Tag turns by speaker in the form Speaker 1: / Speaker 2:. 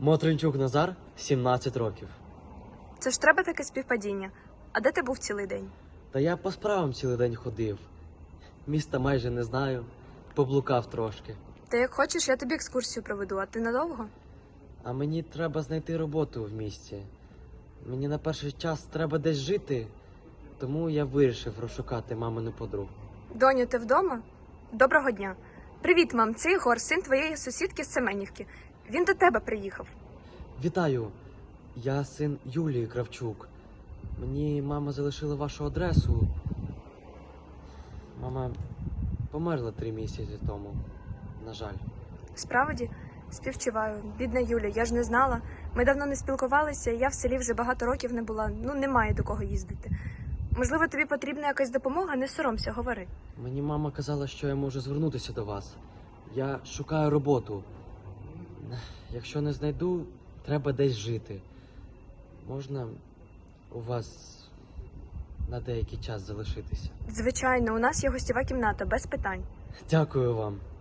Speaker 1: Мотринчук Назар, 17 років.
Speaker 2: Це ж треба таке співпадіння. А де ти був цілий день?
Speaker 1: Та я по справам цілий день ходив. Міста майже не знаю, поблукав трошки.
Speaker 2: Та як хочеш, я тобі екскурсію проведу, а ти надовго?
Speaker 1: А мені треба знайти роботу в місті. Мені на перший час треба десь жити, тому я вирішив розшукати мамину подругу.
Speaker 2: Доню, ти вдома? Доброго дня. Привіт, мам, це Ігор, син твоєї сусідки з Семенівки. Він до тебе приїхав.
Speaker 1: Вітаю, я син Юлії Кравчук. Мені мама залишила вашу адресу. Мама померла 3 місяці тому, на жаль.
Speaker 2: Справді? Співчуваю. Бідна Юля, я ж не знала. Ми давно не спілкувалися, я в селі вже багато років не була. Немає до кого їздити. Можливо, тобі потрібна якась допомога? Не соромся, говори.
Speaker 1: Мені мама казала, що я можу звернутися до вас. Я шукаю роботу. Якщо не знайду, треба десь жити. Можна у вас на деякий час залишитися?
Speaker 2: Звичайно, у нас є гостєва кімната, без питань.
Speaker 1: Дякую вам.